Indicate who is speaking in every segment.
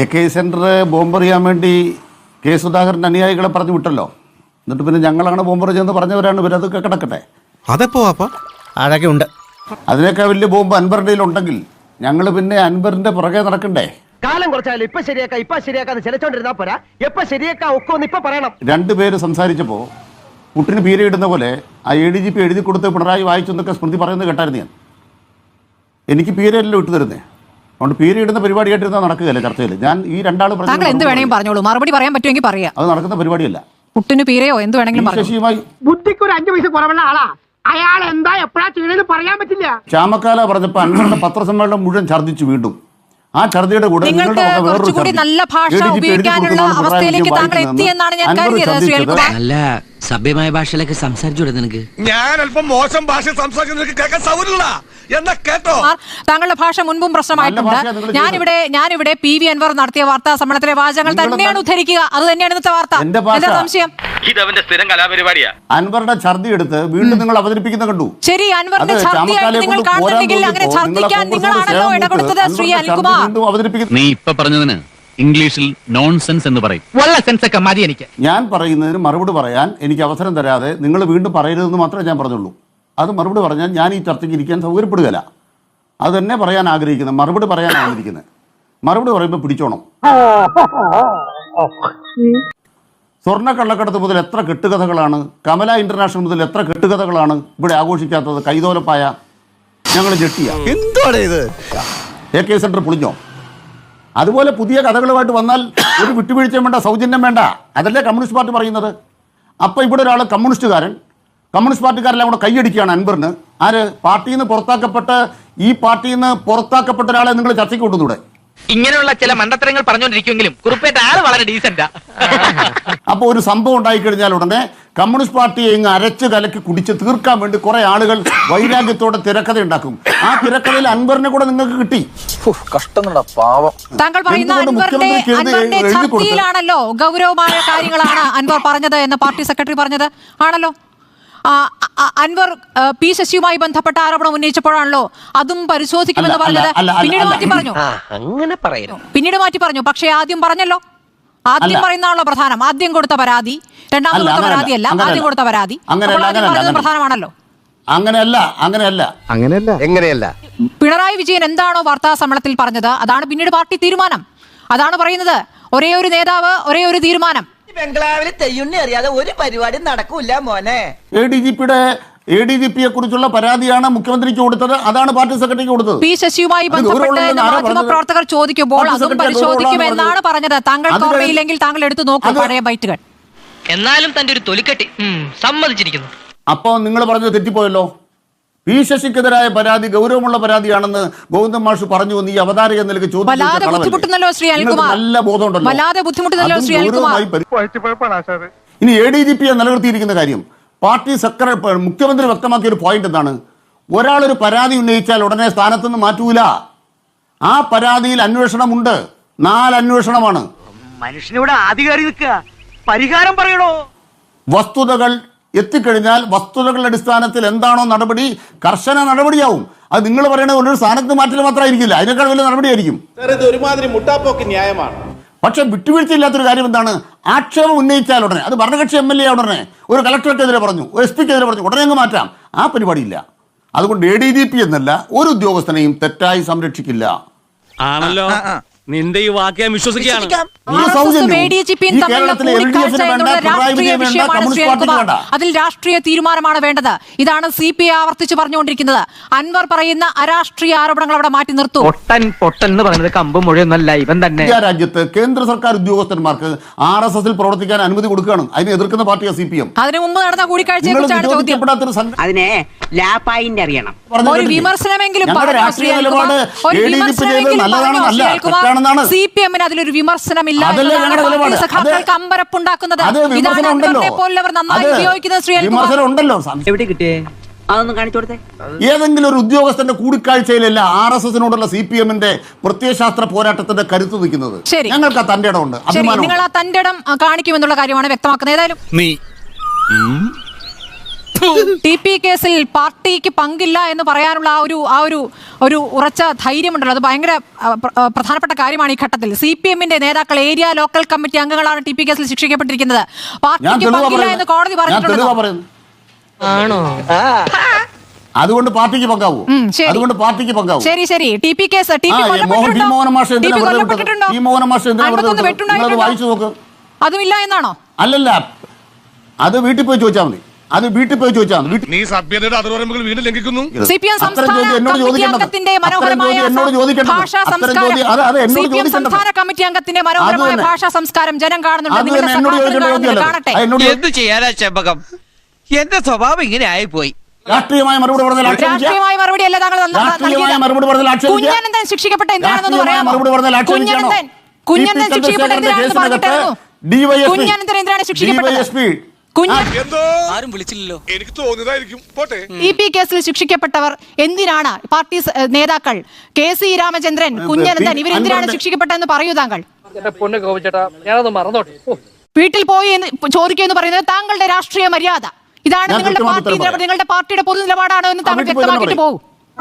Speaker 1: AK centre ബോംബെറിയാൻ വേണ്ടി K Sudhakaran അനുയായികളെ പറഞ്ഞു വിട്ടല്ലോ. എന്നിട്ട് പിന്നെ ഞങ്ങളാണ് ബോംബെറിഞ്ഞെന്ന് പറഞ്ഞവരാണ് ഇവരതൊക്കെ കിടക്കട്ടെ.
Speaker 2: അതെപ്പോ അതൊക്കെ ഉണ്ട്.
Speaker 1: അതിനേക്കാൾ വലിയ ബോംബ് അൻവറിന്റെ ഉണ്ടെങ്കിൽ ഞങ്ങൾ പിന്നെ അൻവറിന്റെ പുറകെ നടക്കണ്ടേ?
Speaker 3: കാലം കുറച്ചാലും ഇപ്പൊ ശരിയാക്കാന്ന് ചിലച്ചോണ്ടിരുന്നാ പോരാ. എപ്പൊ ശരിയാക്കാ ഒക്കെ ഒന്ന് ഇപ്പൊ പറയണം.
Speaker 1: രണ്ടുപേര് സംസാരിച്ചപ്പോ പുട്ടിന് പീരയിടുന്ന പോലെ ആ ADGP എഴുതി കൊടുത്ത് പിണറായി വായിച്ചെന്നൊക്കെ സ്മൃതി പറയുന്നത് കേട്ടായിരുന്നു ഞാൻ. എനിക്ക് പീരയല്ലോ ഇട്ടു തരുന്നേ. അതുകൊണ്ട് പീരയിടുന്ന പരിപാടിയായിട്ടിരുന്ന നടക്കുകയല്ല ചർച്ചയിൽ. ഞാൻ ഈ രണ്ടാളും
Speaker 4: എന്ത് വേണമെങ്കിലും പറഞ്ഞോളൂ, മറുപടി പറയാൻ പറ്റുമെങ്കിൽ പറയാം.
Speaker 1: അത് നടക്കുന്ന പരിപാടിയല്ല.
Speaker 4: പുട്ടിന് പീരയോ എന്ത് വേണമെങ്കിലും
Speaker 1: ശശിയുമായി
Speaker 3: ബുദ്ധിക്ക് ഒരു 5 പൈസ കുറവുള്ള ആളാ. അയാൾ എന്താ എപ്പോഴാ ചെയ്യണെന്ന് പറയാൻ പറ്റില്ല.
Speaker 1: ചാമക്കാല പറഞ്ഞപ്പോ അൻവറിന്റെ പത്രസമ്മേളനം മുഴുവൻ ഛർദ്ദിച്ചു. വീണ്ടും ആ ഛർദിയുടെ കൂടെ
Speaker 4: കുറച്ചുകൂടി നല്ല ഭാഷ ഉപയോഗിക്കാനുള്ള അവസ്ഥയിലേക്ക് താങ്കൾ എത്തിയെന്നാണ് ഞാൻ കരുതിയത്. ശ്രീ അനിൽകുമാർ,
Speaker 5: നല്ല സഭ്യമായ ഭാഷയിലൊക്കെ സംസാരിച്ചൂടെ നിനക്ക്?
Speaker 2: ഞാൻ അല്പം മോശം ഭാഷ സംസാരിക്കുന്നത് കേൾക്കാൻ സൗകര്യമില്ല എന്നാ കേട്ടോ.
Speaker 4: താങ്കളുടെ ഭാഷ മുൻപും പ്രശ്നമായിട്ടുണ്ട്. ഞാനിവിടെ PV അൻവർ നടത്തിയ വാർത്താ സമ്മേളനത്തിലെ വാചകങ്ങൾ തന്നെയാണ് ഉദ്ധരിക്കുക. അത് തന്നെയാണ് ഇന്നത്തെ വാർത്ത. എന്താ സംശയം?
Speaker 6: ഇതവന്റെ സ്ഥിരം കലാപരിപാടിയാ.
Speaker 1: അൻവറുടെ ഛർദി എടുത്ത് വീണ്ടും നിങ്ങൾ അവതരിപ്പിക്കുന്ന കണ്ടു.
Speaker 4: ശരി, അൻവറിന്റെ ഛർദിയായിട്ട് നിങ്ങൾ കാണുന്നുണ്ടെങ്കിൽ അങ്ങനെ ഛർദിക്കാൻ നിങ്ങളാണല്ലോ ഇടകൊടുത്തത്. ശ്രീ അനിൽകുമാർ,
Speaker 6: നീ ഇപ്പൊ പറഞ്ഞതിന് ഇംഗ്ലീഷിൽ നോൺസെൻസ് എന്ന് പറയും. സെൻസ് ഒക്കെ മതി എനിക്ക്.
Speaker 1: ഞാൻ പറയുന്നതിന് മറുപടി പറയാൻ എനിക്ക് അവസരം തരാതെ നിങ്ങൾ വീണ്ടും പറയരുതെന്ന് മാത്രമേ ഞാൻ പറഞ്ഞുള്ളൂ. അത് മറുപടി പറഞ്ഞാൽ ഞാൻ ഈ ചർച്ചയ്ക്ക് ഇരിക്കാൻ സൗകര്യപ്പെടുകയില്ല. അത് തന്നെ പറയാൻ ആഗ്രഹിക്കുന്നത്, മറുപടി പറയാൻ ആഗ്രഹിക്കുന്നത്. മറുപടി പറയുമ്പോൾ പിടിച്ചോണം. സ്വർണ്ണക്കള്ളക്കടത്ത് മുതൽ എത്ര കെട്ടുകഥകളാണ്, കമല ഇന്റർനാഷണൽ മുതൽ എത്ര കെട്ടുകഥകളാണ് ഇവിടെ ആഘോഷിക്കാത്തത്? കൈതോലപ്പായ ഞങ്ങൾ ഞെട്ടിയ
Speaker 2: എന്താണ് ഇത്?
Speaker 1: AK സെന്റർ പൊളിഞ്ഞോ? അതുപോലെ പുതിയ കഥകളുമായിട്ട് വന്നാൽ ഒരു വിട്ടുവീഴ്ചയും വേണ്ട, സൗജന്യം വേണ്ട. അതല്ലേ കമ്മ്യൂണിസ്റ്റ് പാർട്ടി പറയുന്നത്. അപ്പോൾ ഇവിടെ ഒരാൾ കമ്മ്യൂണിസ്റ്റ് പാർട്ടിക്കാരെല്ലാം കൂടെ കൈയടിക്കുകയാണ് അൻവറിന്. ആര്? പാർട്ടിയിൽ നിന്ന് പുറത്താക്കപ്പെട്ട് ഈ പാർട്ടിയിൽ നിന്ന് പുറത്താക്കപ്പെട്ട ഒരാളെ നിങ്ങൾ ചർച്ചയ്ക്ക് കൊണ്ടുവന്നൂടെ?
Speaker 5: ഇങ്ങനെയുള്ള ചില മണ്ടത്തരങ്ങൾ പറഞ്ഞുകൊണ്ടിരിക്കുമെങ്കിലും കുറുപ്പേറ്റ ആള് വളരെ ഡീസന്റാ.
Speaker 1: അപ്പോൾ ഒരു സംഭവം ഉണ്ടായിക്കഴിഞ്ഞാൽ ഉടനെ കമ്മ്യൂണിസ്റ്റ് പാർട്ടിയെ ഇങ്ങ് അരച്ച് കലക്കി കുടിച്ച് തീർക്കാൻ വേണ്ടി കുറെ ആളുകൾ വൈരാഗ്യത്തോടെ തിരക്കഥ ഉണ്ടാക്കും. ആ തിരക്കഥയിൽ അൻവറിനെ കൂടെ നിങ്ങൾക്ക് കിട്ടി.
Speaker 4: താങ്കൾ പറയുന്ന അൻവറിന്റെ ഛർദിയിലാണല്ലോ ഗൗരവമായ കാര്യങ്ങളാണ് അൻവർ പറഞ്ഞത് എന്ന് പാർട്ടി സെക്രട്ടറി പറഞ്ഞത് ആണല്ലോ. അൻവർ P ശശിയുമായി ബന്ധപ്പെട്ട ആരോപണം ഉന്നയിച്ചപ്പോഴാണല്ലോ അതും പരിശോധിക്കുമെന്ന് പറഞ്ഞത്. പിന്നീട് മാറ്റി പറഞ്ഞു.
Speaker 5: അങ്ങനെ പറയുന്നു.
Speaker 4: പിന്നീട് മാറ്റി പറഞ്ഞു. പക്ഷേ ആദ്യം പറഞ്ഞല്ലോ. ആദ്യം പറയുന്നതാണല്ലോ പ്രധാനം. ആദ്യം കൊടുത്ത പരാതി, രണ്ടാമത് കൊടുത്ത പരാതിയല്ല, ആദ്യം കൊടുത്ത പരാതി. പ്രധാനമാണല്ലോ.
Speaker 2: അങ്ങനെയല്ല.
Speaker 4: പിണറായി വിജയൻ എന്താണോ വാർത്താ സമ്മേളനത്തിൽ പറഞ്ഞത് അതാണ് പിന്നീട് പാർട്ടി തീരുമാനം. അതാണ് പറയുന്നത്. ഒരേ ഒരു നേതാവ്, ഒരേ ഒരു തീരുമാനം.
Speaker 7: ബംഗ്ലാവിൽ തെയ്യുണ്ണി അറിയാതെ ഒരു പരിപാടി നടക്കൂല മോനെ.
Speaker 1: ADGPയെ കുറിച്ചുള്ള പരാതിയാണ് മുഖ്യമന്ത്രിക്ക് കൊടുത്തത്. അതാണ് പാർട്ടി സെക്രട്ടറിക്ക് കൊടുത്തത്.
Speaker 4: P ശശിയുമായി ബന്ധപ്പെട്ട് മാധ്യമപ്രവർത്തകർ ചോദിക്കുമ്പോൾ അതും പരിശോധിക്കുമെന്നാണ് പറഞ്ഞത്. താങ്കൾ ഓർമ്മയില്ലെങ്കിൽ താങ്കൾ എടുത്തു നോക്കൂ പഴയ ബൈറ്റുകൾ.
Speaker 5: എന്നാലും തന്റെ ഒരു തൊലിക്കെട്ടി സമ്മതിച്ചിരിക്കുന്നു.
Speaker 1: അപ്പോൾ നിങ്ങൾ പറഞ്ഞത് തെറ്റിപ്പോയല്ലോ. P ശശിക്കെതിരായ പരാതി ഗൗരവമുള്ള പരാതിയാണെന്ന് ഗോവിന്ദൻ മാഷ് പറഞ്ഞു എന്ന് ഈ അവതാരക നിലയ്ക്ക് ചോദിച്ചു.
Speaker 4: വല്ലാതെ ബുദ്ധിമുട്ടുന്നല്ലോ ശ്രീ അനിൽകുമാർ.
Speaker 1: നല്ല ബോധമുണ്ടല്ലോ.
Speaker 4: വല്ലാതെ ബുദ്ധിമുട്ടുന്നല്ലോ ശ്രീ അനിൽകുമാർ.
Speaker 1: ഇനി ADGPയെ നിലനിർത്തിയിരിക്കുന്ന കാര്യം പാർട്ടി സെക്രട്ടറി മുഖ്യമന്ത്രി വ്യക്തമാക്കിയ ഒരു പോയിന്റ് എന്താണ്? ഒരാളൊരു പരാതി ഉന്നയിച്ചാൽ ഉടനെ സ്ഥാനത്തുനിന്ന് മാറ്റൂല. ആ പരാതിയിൽ അന്വേഷണമുണ്ട്. 4 അന്വേഷണമാണ്.
Speaker 3: മനുഷ്യനിവിടെ ആധികാരി നിൽക്കുക, പരിഹാരം പറയണോ?
Speaker 1: വസ്തുതകൾ എത്തിക്കഴിഞ്ഞാൽ വസ്തുതകളുടെ അടിസ്ഥാനത്തിൽ എന്താണോ നടപടി, കർശന നടപടിയാവും. അത് നിങ്ങൾ പറയുന്നത് ഒരു സ്ഥാനത്ത് മാറ്റൽ മാത്രമായിരിക്കില്ല, അതിനേക്കാൾ വലിയ നടപടിയായിരിക്കും.
Speaker 8: ഇത് ഒരുമാതിരി മുട്ടാപ്പോക്ക് ന്യായമാണ്.
Speaker 1: പക്ഷെ വിട്ടുവീഴ്ചയില്ലാത്തൊരു കാര്യം എന്താണ്? ആക്ഷേപം ഉന്നയിച്ചാൽ ഉടനെ, അത് ഭരണകക്ഷി MLA ഉടനെ ഒരു കളക്ടർക്കെതിരെ പറഞ്ഞു, ഒരു SP-ക്കെതിരെ പറഞ്ഞു, ഉടനെ അങ്ങ് മാറ്റാം. ആ പരിപാടിയില്ല. അതുകൊണ്ട് ADGP എന്നല്ല ഒരു ഉദ്യോഗസ്ഥനെയും തെറ്റായി സംരക്ഷിക്കില്ല.
Speaker 6: ആണല്ലോ. നിന്റെ ഈ വാക്ക് ഞാൻ വിശ്വസിക്കുകയാണ്.
Speaker 4: അതിൽ രാഷ്ട്രീയ തീരുമാനമാണ് വേണ്ടത്. ഇതാണ് CPI ആവർത്തിച്ച് പറഞ്ഞുകൊണ്ടിരിക്കുന്നത്. അൻവർ പറയുന്ന അരാഷ്ട്രീയ ആരോപണങ്ങൾ അവിടെ മാറ്റി നിർത്തൂ.
Speaker 5: പൊട്ടൻ എന്ന് പറയുന്നത് കമ്പും മുഴയൊന്നല്ല, ഇവൻ തന്നെ.
Speaker 1: രാജ്യത്ത് കേന്ദ്ര സർക്കാർ ഉദ്യോഗസ്ഥന്മാർക്ക് RSSൽ പ്രവർത്തിക്കാൻ അനുമതി കൊടുക്കുകയാണ്. അതിനെ എതിർക്കുന്ന പാർട്ടിയാണ് CPM.
Speaker 4: അതിനു മുമ്പ് നടന്ന കൂടിക്കാഴ്ചയെ കുറിച്ചാണ് ചോദ്യം.
Speaker 5: അതിനെ ലാപ്പായിന്റ് അറിയണം.
Speaker 4: ഒരു വിമർശനമെങ്കിലും CPM അതിലൊരു വിമർശനമില്ല. അമ്പരപ്പുണ്ടാക്കുന്നത് നന്നായി ഉപയോഗിക്കുന്നത് ശ്രീ
Speaker 5: എവിടെ കിട്ടിയേ? അതൊന്നും കാണിച്ചു കൊടുത്തേ.
Speaker 1: ഏതെങ്കിലും ഒരു ഉദ്യോഗസ്ഥന്റെ കൂടിക്കാഴ്ചയിലല്ല RSSനോടുള്ള CPMന്റെ പ്രത്യയശാസ്ത്ര പോരാട്ടത്തിന്റെ കരുത്ത് നിൽക്കുന്നത്. ഞങ്ങൾക്ക് ആ തന്റെ ഇടമുണ്ട്, അഭിമാനം.
Speaker 4: നിങ്ങൾ ആ തന്റെ ഇടം കാണിക്കുമെന്നുള്ള കാര്യമാണ് വ്യക്തമാക്കുന്നത്. ഏതായാലും TP കേസിൽ പാർട്ടിക്ക് പങ്കില്ല എന്ന് പറയാനുള്ള ഒരു ഉറച്ച ധൈര്യമുണ്ടല്ലോ, അത് ഭയങ്കര പ്രധാനപ്പെട്ട കാര്യമാണ് ഈ ഘട്ടത്തിൽ. CPM-ന്റെ നേതാക്കൾ, ഏരിയ ലോക്കൽ കമ്മിറ്റി അംഗങ്ങളാണ് TP കേസിൽ ശിക്ഷിക്കപ്പെട്ടിരിക്കുന്നത്. പാർട്ടിക്ക് പങ്കില്ല എന്ന് കോടതി പറഞ്ഞിട്ടുണ്ട്.
Speaker 7: ആണോ?
Speaker 1: അതുകൊണ്ട് പാർട്ടിക്ക് പങ്കാവൂ. അതുകൊണ്ട് പാർട്ടിക്ക് പങ്കാവൂ.
Speaker 4: ശരി ശരി. TP കേസ്
Speaker 1: വായിച്ചു നോക്ക്.
Speaker 4: അതുമില്ല എന്നാണോ?
Speaker 1: അല്ലല്ല, അത് വീട്ടിൽ പോയി ചോദിച്ചാൽ മതി. അത് വീട്ടിൽ പോയി ചോദിച്ചാൽ മതി.
Speaker 2: നീ സഭ്യതയുടെ അതിർവരമ്പുകൾ വീണ്ടും ലംഘിക്കുന്നു.
Speaker 4: CPM സംസ്ഥാന കമ്മിറ്റി അംഗത്തിന്റെ മനോഹരമായ ഭാഷാ സംസ്കാരം ജനം കാണുന്നുണ്ട്. കാണട്ടെ.
Speaker 7: എന്ത് ചെയ്യാനാ ചെമ്പകം? എന്റെ സ്വഭാവം ഇങ്ങനെ ആയിപ്പോയി.
Speaker 1: രാഷ്ട്രീയമായ മറുപടി പറഞ്ഞാൽ
Speaker 4: രാഷ്ട്രീയമായ മറുപടി അല്ല താങ്കൾ കുഞ്ഞനന്തൻ ശിക്ഷിക്കപ്പെട്ട എന്തിനാണെന്ന് പറയാമോ? കുഞ്ഞനന്തൻ ശിക്ഷിക്കപ്പെട്ട എന്തിനാണെന്ന് പറഞ്ഞിട്ടായിരുന്നു. കുഞ്ഞനന്തൻ എന്തിനാണ് ശിക്ഷിക്കപ്പെട്ടത്?
Speaker 2: ആരും വിളിച്ചില്ലല്ലോ, എനിക്ക് തോന്നിയതായിരിക്കും. പോട്ടെ.
Speaker 4: TP കേസിൽ ശിക്ഷിക്കപ്പെട്ടവർ എന്തിനാണ്, പാർട്ടി നേതാക്കൾ KC രാമചന്ദ്രൻ, കുഞ്ഞനന്തൻ, ഇവരെന്തിനാണ് ശിക്ഷിക്കപ്പെട്ടതെന്ന് പറയൂ താങ്കൾ. വീട്ടിൽ പോയി ചോദിക്കുമെന്ന് പറയുന്നത് താങ്കളുടെ രാഷ്ട്രീയ മര്യാദ. ഇതാണ് നിങ്ങളുടെ പാർട്ടിയുടെ പൊതു നിലപാടാണോ എന്ന് താങ്കൾ വ്യക്തമാക്കിയിട്ട് പോകും.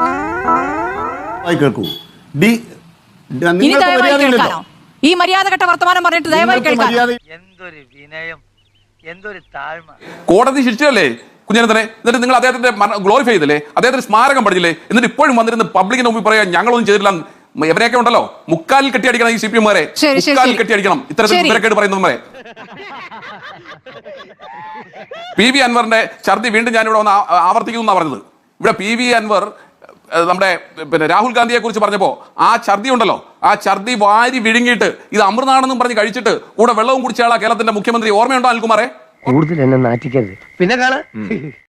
Speaker 4: ഇനി ദയവായി കേൾക്കാനോ? ഈ മര്യാദഘട്ട വർത്തമാനം പറഞ്ഞിട്ട് ദയവായി കേൾക്കാം.
Speaker 3: എന്തൊരു വിനയം, എന്തൊരു താഴ്മ.
Speaker 9: കോടതി ശിക്ഷിച്ചല്ലേ കുഞ്ഞനന്തനെ? എന്നിട്ട് നിങ്ങൾ അദ്ദേഹത്തിന്റെ ഗ്ലോറിഫൈ ചെയ്തില്ലേ? അദ്ദേഹത്തിന് സ്മാരകം പഠിച്ചില്ലേ? എന്നിട്ട് ഇപ്പോഴും വന്നിരുന്ന് പബ്ലിക്കിന് മുമ്പിൽ പറയാൻ ഞങ്ങളൊന്നും ചെയ്തില്ല. എവരെയൊക്കെ ഉണ്ടല്ലോ മുക്കാലിൽ കെട്ടിയടിക്കണം ഈ CPM-മാരെ, മുക്കാലിൽ കെട്ടിയടിക്കണം ഇത്തരത്തിൽ വിവരക്കേട് പറയുന്നവരെ. PV അൻവറിന്റെ ഛർദി വീണ്ടും ഞാനിവിടെ വന്ന് ആവർത്തിക്കുന്നു പറഞ്ഞത്. ഇവിടെ PV അൻവർ നമ്മുടെ രാഹുൽ ഗാന്ധിയെ കുറിച്ച് പറഞ്ഞപ്പോ ആ ഛർദി ഉണ്ടല്ലോ, ആ ഛർദി വാരി വിഴുങ്ങിയിട്ട് ഇത് അമൃതാണെന്നും പറഞ്ഞ് കഴിച്ചിട്ട് കൂടെ വെള്ളവും കുടിച്ചയാളാ കേരളത്തിന്റെ മുഖ്യമന്ത്രി. ഓർമ്മയുണ്ടോ അനിൽകുമാറെ?
Speaker 3: കൂടുതൽ എന്നെ നാറ്റിക്കരുത്. പിന്നെ കാണാ